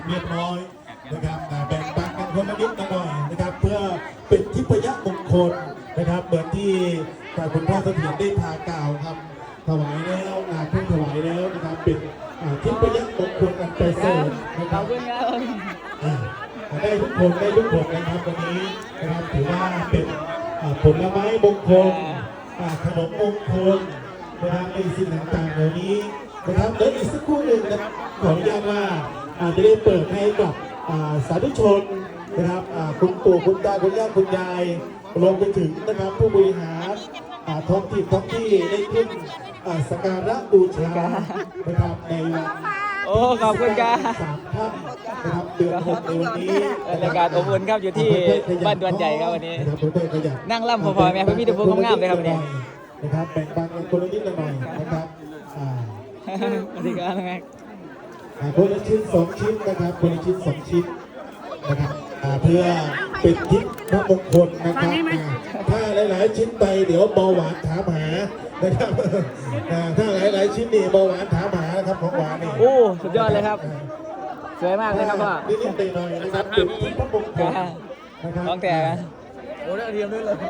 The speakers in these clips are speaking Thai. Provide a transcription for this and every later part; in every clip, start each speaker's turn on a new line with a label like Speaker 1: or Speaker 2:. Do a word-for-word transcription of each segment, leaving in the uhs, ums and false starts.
Speaker 1: เรียบร้อยนะครับแบ่งปันกันคนละนิดละหน่อยนะครับเพื่อเป็นทิพยมงคลนะครับเหมือนที่คุณพ่อเสถียรได้พากล่าวครับถวายแล้วงานเพิ่งถวายแล้วนะครับเป็นทิพยมงคลอันประเสริฐนะครับได้ทุกคนได้ทุกคนนะครับวันนี้นะครับถือว่าเป็นผลไม้มงคลขนมมงคลนะครับในสิ่งต่างๆเหล่านี้นะครับเดี๋ยวอีกสักครู่หนึ่งนะครับขออนุญาตว่าจะได้เปิดให้กับสาธุชนนะครับคุณปู่คุณตาคุณย่าคุณยายรวมไปถึงนะครับผู้บริหารท้องถิ่นท้องที่ได้ขึ้นสักการะบูชานะครับในวัน
Speaker 2: โอ้ขอบคุณครับ
Speaker 1: สามท่านนะครับเดือนหกในวันนี้
Speaker 2: บรรยากาศอบอุ่นครับอยู่ที่บ้านดวนใหญ่ครับวันนี้นั่งล่ำพอๆแม่พี่มีแต่พูดงามเลยครับวันนี้
Speaker 1: นะครับแบ่งปันกันคนละนิดละหน่อยนะครับ
Speaker 2: สวัสดีครับแม่
Speaker 1: คนละชิ้นสองชิ้นนะครับคนละชิ้นสองชิ้นนะครับเพื่อเป็นทิพย์พระมงคลนะครับถ้าหลายๆชิ้นไปเดี๋ยวเบาหวานถามหานะครับถ้าหลายๆชิ้นนี่เบาหวานถามหานะครับของหวานนี่
Speaker 2: โอ้สุดยอดเลยครับสวยมากเลยครับพ่อ
Speaker 1: นิดๆหน่อยๆนะครับเป็นทิพย์พระมงคล
Speaker 2: นะครับน้องแต่โอ้ได้เทียมด้วยเลย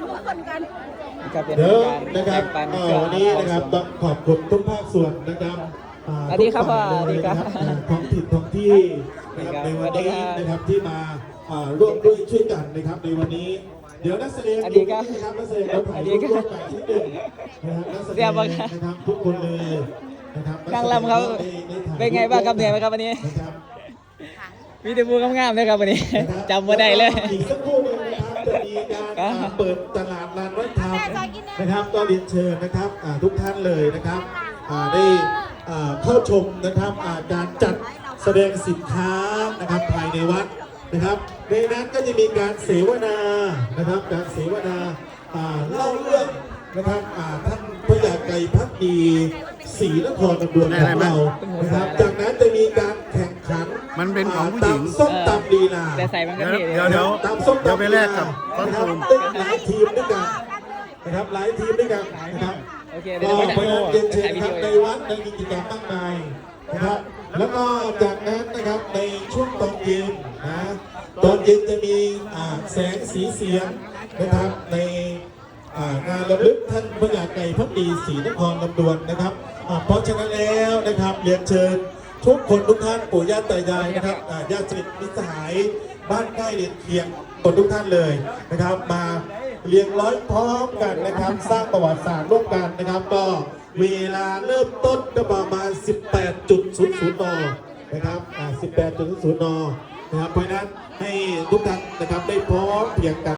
Speaker 1: เดี๋ยวนะครับวันนี้นะครับต้องขอบคุณทุกภาคส่วนนะครับ
Speaker 2: สวัสดีครับพ่อสวัสดีครับ
Speaker 1: ท้องถิ่นท้องที่นะครับในวันนี้นะครับที่มาร่วมด้วยช่วยกันนะครับในวันนี้เดี๋ยวนักแสดง
Speaker 2: อยู่
Speaker 1: นะครับนักแสดงเราถ่ายรูปร่วมกันที่หนึ่งนะครับนักแสดงนะครับทุกคนเลยนะครับ
Speaker 2: นั่งลำเขาเป็นไงบ้างครับเหนื่อยไหมครับวันนี้มีแต่บูงามๆเลยครับวันนี้จำมาได้เลย
Speaker 1: อีกสักครู่นึงนะครับจะมีการเปิดตลาดลานวัฒนธรรมนะครับก็เรียนเชิญนะครับทุกท่านเลยนะครับได้เข้าชมนะครับการจัดแสดงสินค้านะครับภายในวัดนะครับในนั้นก็จะมีการเสวนานะครับการเสวนาเล่าเรื่องนะครับท่านพระยาไกรพักดีศรีนครตำบลของเรานะครับจากนั้นจะมีการแข่งขัน
Speaker 3: มันเป็นของผู้หญิง
Speaker 1: ส้มตำลีลา
Speaker 2: แต่ใส่มันก็
Speaker 3: เดี๋ยวเดี๋ยว
Speaker 1: ตำส้มตำ
Speaker 3: เดี๋ยวไปแลกกับต้นทุน
Speaker 1: หลายทีมด้วยกันนะครับหลายทีมด้วยกันนะครับก็ไปเรียนเชิญครับในวัดในกิจกรรมมากมายนะครับแล้วก็จากนั้นนะครับในช่วงตอนเย็นนะตอนเย็นจะมีแสงสีเสียงนะครับในงานระลึกท่านพระยาไกรพักดีศรีนครลำดวนนะครับเพราะฉะนั้นแล้วนะครับเรียนเชิญทุกคนทุกท่านปู่ย่าตายายนะครับญาติสนิทมิตรสหายบ้านใกล้เรียนเคียงคนทุกท่านเลยนะครับมาเรียงร้อยพร้อมกันนะครับสร้างประวัติศาสตร์ร่วมกันนะครับก็เวลาเริ่มต้นก็ประมาณ สิบแปดจุดศูนย์ศูนย์ นนะครับ สิบแปดจุดศูนย์ นนะครับเพราะฉะนั้นให้ทุกท่านนะครับได้พร้อมเพียงกัน